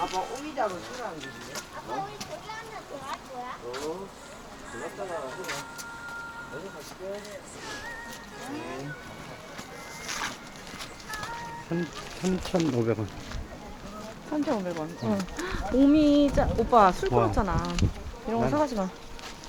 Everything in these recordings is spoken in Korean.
아빠 오미자로 싫어하는 거지. 아빠 우리 거기 하나 더 할 거야? 들었다가 어디 갈게. 3,500원. 3,500원. 응. 오미자, 오빠 술 와. 끊었잖아. 이런 거 난- 사가지 마.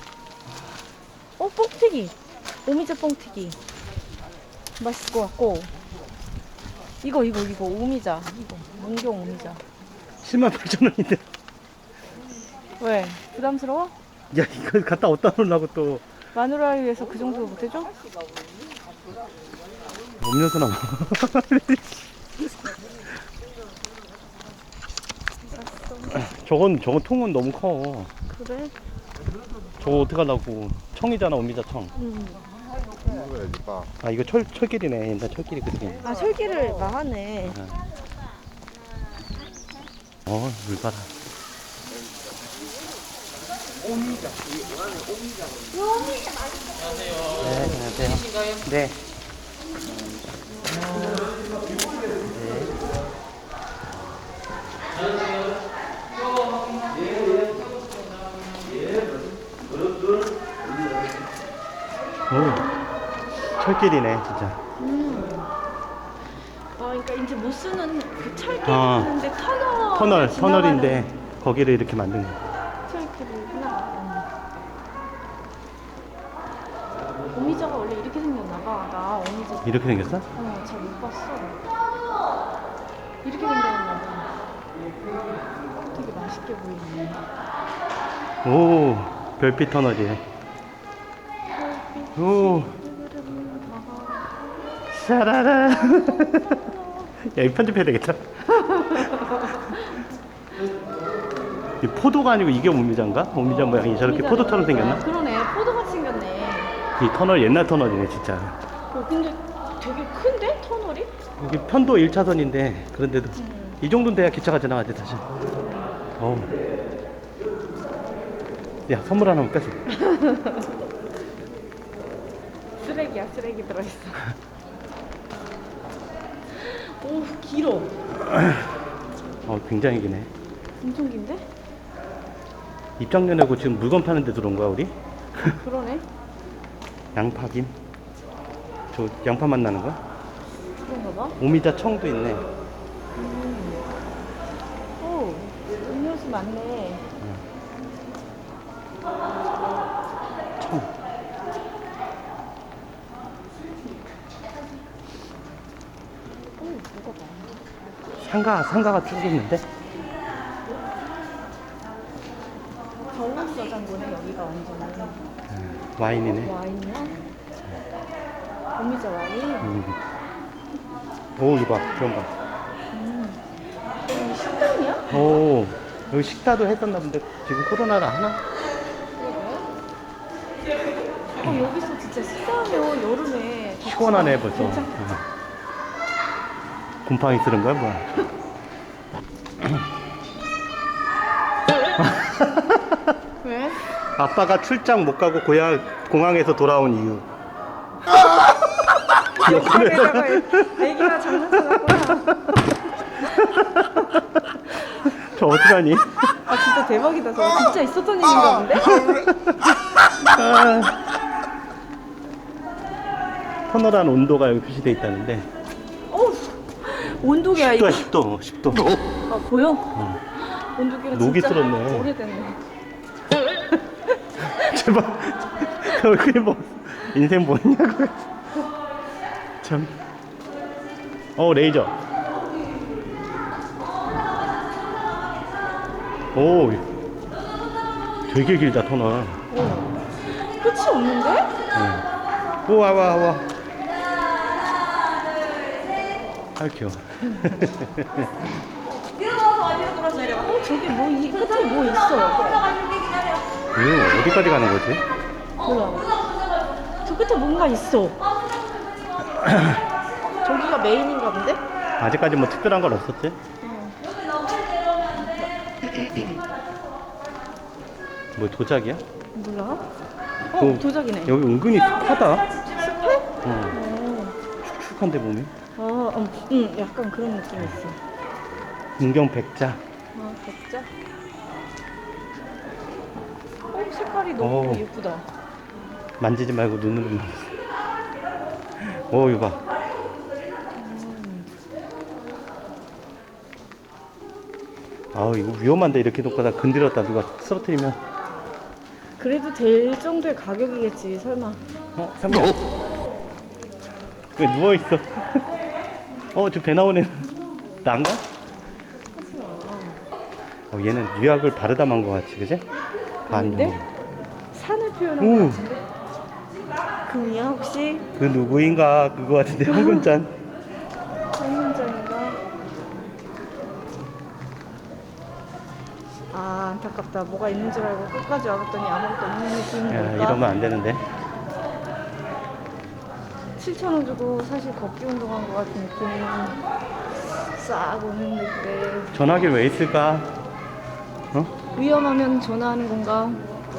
뽕튀기. 오미자 뽕튀기. 맛있을 것 같고. 이거, 오미자. 이거. 문경 오미자. 108,000원인데. 왜? 부담스러워? 야, 이거 갖다 어디다 놓으려고 또. 마누라를 위해서 그 정도 못해줘? 음료수 나와. 저건 통은 너무 커. 그래? 저거 어떡하려고. 청이잖아, 오미자 청. 먹어야지, 빠. 아, 이거 철길이네. 옛날 철길이 그렇게. 아, 철기를 마하네. 물 봐라. 오미자. 우리 원하는 오미자. 네, 안녕하세요. 네. 오, 철길이네, 진짜. 그러니까 이제 못 쓰는 그 철길 아. 있는데 터널인데, 거기를 이렇게 만든 거. 철길이구나. 오미자가 원래 이렇게 생겼나 봐. 나 오미자 이렇게 생겼어? 잘 못 봤어. 이렇게 생겼나 봐. 되게 맛있게 보이네. 오, 별빛 터널이에요. 오, 샤라라. 야, 이 편집해야 되겠다. 이 포도가 아니고 이게 오미자인가? 오미자 모양이 저렇게 오미자네, 포도처럼 오미자. 생겼나? 그러네. 포도같이 생겼네. 이 터널 옛날 터널이네, 진짜. 근데 되게 큰데? 터널이? 여기 편도 1차선인데 그런데도 이 정도는 돼야 기차가 지나가지 다시. 어우. 야, 선물 하나만 뺏어. 쓰레기야, 쓰레기 들어있어. 오, 길어. 굉장히 기네. 엄청 긴데? 입장료 내고 지금 물건 파는 데 들어온 거야, 우리? 그러네. 양파김? 저 양파 맛 나는 거? 그런가 봐. 오미자 청도 있네. 오, 음료수 많네. 청. 오, 먹어봐. 상가가 쭉 있는데? 겨울 저장고네, 여기가 완전히. 와인이네. 와인이야? 오미자 와인? 오, 이거 봐. 그런 봐. 여기 식당이야? 오, 여기 식사도 했었나 본데 지금 코로나라 하나? 여기서 진짜 식사하면 여름에 시원하네 벌써. 괜찮겠다. 곰팡이 쓰는 거야 뭐야? 왜? 아빠가 출장 못 가고 공항에서 돌아온 이유. 여기다가 애기가 장난쳐놨구나. 저 어떡하니? 아, 진짜 대박이다. 저거 진짜 있었던 일인가 본데? 터널 안 온도가 여기 표시돼 있다는데. 어, 온도계야 이거. 10도, 10도. 아, 보여? 온도계가 녹이 진짜 슬었네. 오래됐네. 제발. 얼굴이 뭐 인생 뭐냐고. 참. 레이저. 오, 되게 길다 터널. 끝이 없는데? 응. 오, 와. 아유 귀여워. 저기 뭐, 이 끝에 뭐 있어. 이거 어디까지 가는 거지? 몰라. 저 끝에 뭔가 있어. 저기가 메인인가 본데? 아직까지 뭐 특별한 건 없었지? 뭐 도자기야? 몰라? 도자기네. 여기 은근히 습하다. 습해? 축축한데 몸이. 응, 약간 그런 느낌이 있어. 문경 백자. 진짜? 색깔이 너무 오. 예쁘다. 만지지 말고 눈으로 만져. 오, 이거 봐. 아우, 이거 위험한데, 이렇게 놓고다 건드렸다 누가 쓰러뜨리면. 그래도 될 정도의 가격이겠지, 설마. 상관. 왜 누워있어? 저 배 나오네. 난가? 얘는 유약을 바르다 만 것 같지, 그지? 아닌데? 산을 표현한 오. 것 같은데? 금이야, 혹시? 그 누구인가 그거 같은데 황금잔. 한문장인가? 아, 안타깝다. 뭐가 있는 줄 알고 끝까지 와봤더니 아무것도 없는 느낌이 야, 뭘까? 이러면 안 되는데. 7,000원 주고 사실 걷기 운동한 것 같은 느낌이 싹 오는데 전화기 왜 있을까? 위험하면 전화하는 건가?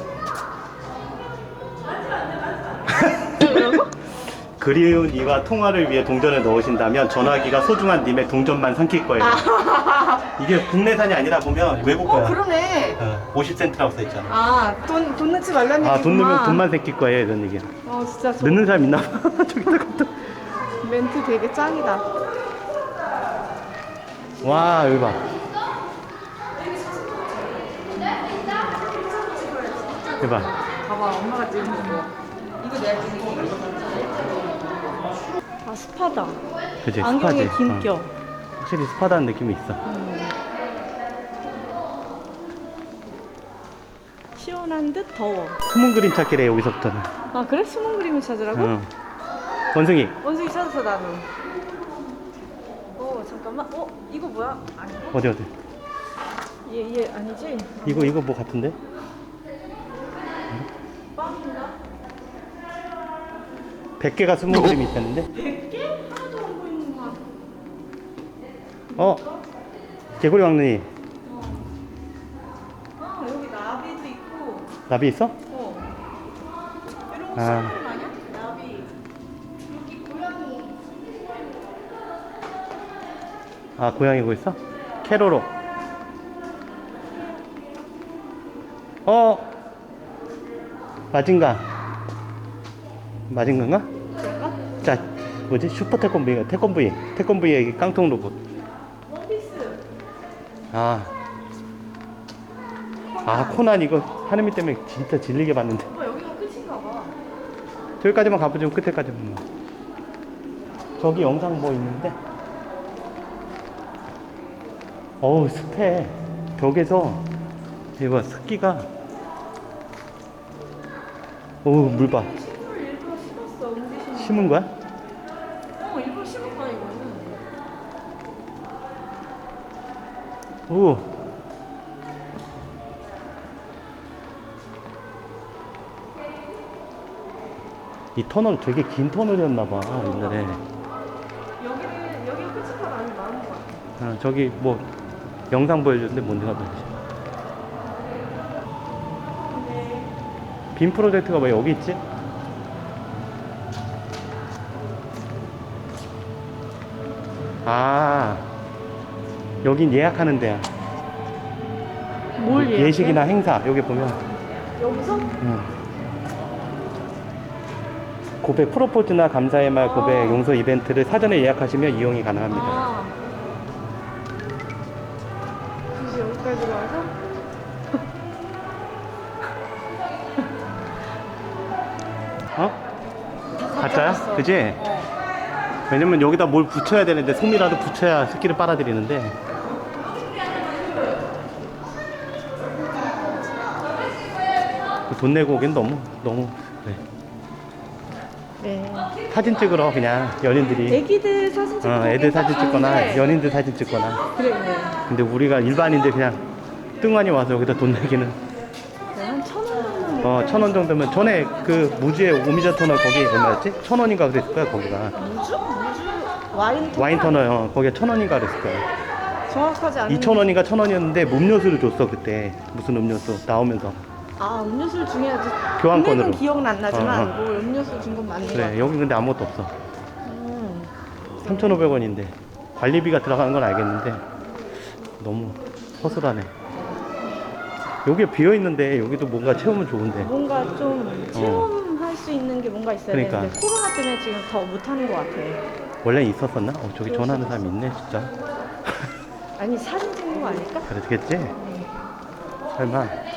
그리운 이와 통화를 위해 동전을 넣으신다면 전화기가 소중한 님의 동전만 삼킬 거예요. 이게 국내산이 아니라 보면 외국 거야. 그러네. 50센트라고 써있잖아. 아, 돈 넣지 말라는 얘기구나. 돈 넣으면 돈만 새낄 거예요, 이런 얘기야. 진짜 넣는 사람 있나 봐. 저기다가 또. 멘트 되게 짱이다. 와, 여기 봐. 여기 봐. 봐봐, 엄마가 찍은 거. 이거 내가 찍은 거. 아, 스파다. 그치, 안경에 스파지. 긴 껴. 확실히 스파다는 느낌이 있어. 시원한 듯 더워. 숨은 그림 찾기래, 여기서부터는. 아, 그래? 숨은 그림을 찾으라고? 응. 원숭이. 원숭이 찾았어, 나는. 잠깐만. 이거 뭐야? 아니, 어디. 얘 아니지? 이거 뭐 같은데? 빵인가? 100개가 숨은 그림이 있다는데? 100개? 하나도 안 보이는 거 같아. 개구리 왕눈이. 여기 나비도 있고. 나비 있어? 이런 거 아. 수학그림 아니야? 나비. 여기 고양이. 고양이 고 있어? 캐로로. 마징가인가? 내가? 자, 뭐지? 슈퍼 태권브이의 깡통 로봇. 원피스. 코난 이거 하느미 때문에 진짜 질리게 봤는데. 오빠 여기가 끝인가 봐. 저기까지만 가보죠. 끝에까지만. 저기 영상 뭐 있는데? 습해. 벽에서 이거 습기가. 물 봐. 식물을 일부러 심었어, 옮기시는 거. 심은 거야? 일부러 심은 거야, 이거는. 이 터널 되게 긴 터널이었나봐, 옛날에. 여기가 끝인가 많은 거 같아. 저기 뭐 영상 보여줬는데 뭔지가 모르지. 빔 프로젝트가 왜 여기 있지? 여긴 예약하는 데야. 뭘 예약해? 예식이나 행사 여기 보면. 여기서? 고백 프로포즈나 감사의 말 고백 용서 이벤트를 사전에 예약하시면 이용이 가능합니다. 굳이 여기까지 와서? 가짜야? 그지? 왜냐면 여기다 뭘 붙여야 되는데 솜이라도 붙여야 습기를 빨아들이는데. 돈 내고 오긴 너무 그래. 네. 사진 찍으러 그냥 연인들이. 애기들 사진 찍고 애들 사진 찍거나 가는데. 연인들 사진 찍거나. 그래. 근데 우리가 일반인들 그냥 뚱하니 와서 여기다 돈 내기는. 한 1,000원 정도. 1,000원 정도면 전에 그 무주의 오미자 터널 거기 얼마였지? 1,000원인가 그랬을 거야 거기가. 무주? 와인 터널? 와인 터널 거기가 1,000원인가 그랬을 거야. 정확하지 않은. 2,000원인가 1,000원이었는데 음료수를 줬어 그때. 무슨 음료수 나오면서. 음료수를 중요하지. 교환권으로. 금액은 기억은 안 나지만 어. 뭐 음료수 준 건 맞는 거 그래 같아. 여기 근데 아무것도 없어. 3,500원인데 관리비가 들어가는 건 알겠는데 너무 허술하네. 여기 비어 있는데 여기도 뭔가 채우면 좋은데. 뭔가 좀 체험할 수 있는 게 뭔가 있어야 그러니까. 되는데 코로나 때문에 지금 더 못하는 것 같아. 원래 있었었나? 저기 전화하는 사람 있네 진짜. 아니 사진 찍는 거 아닐까? 그랬겠지? 설마.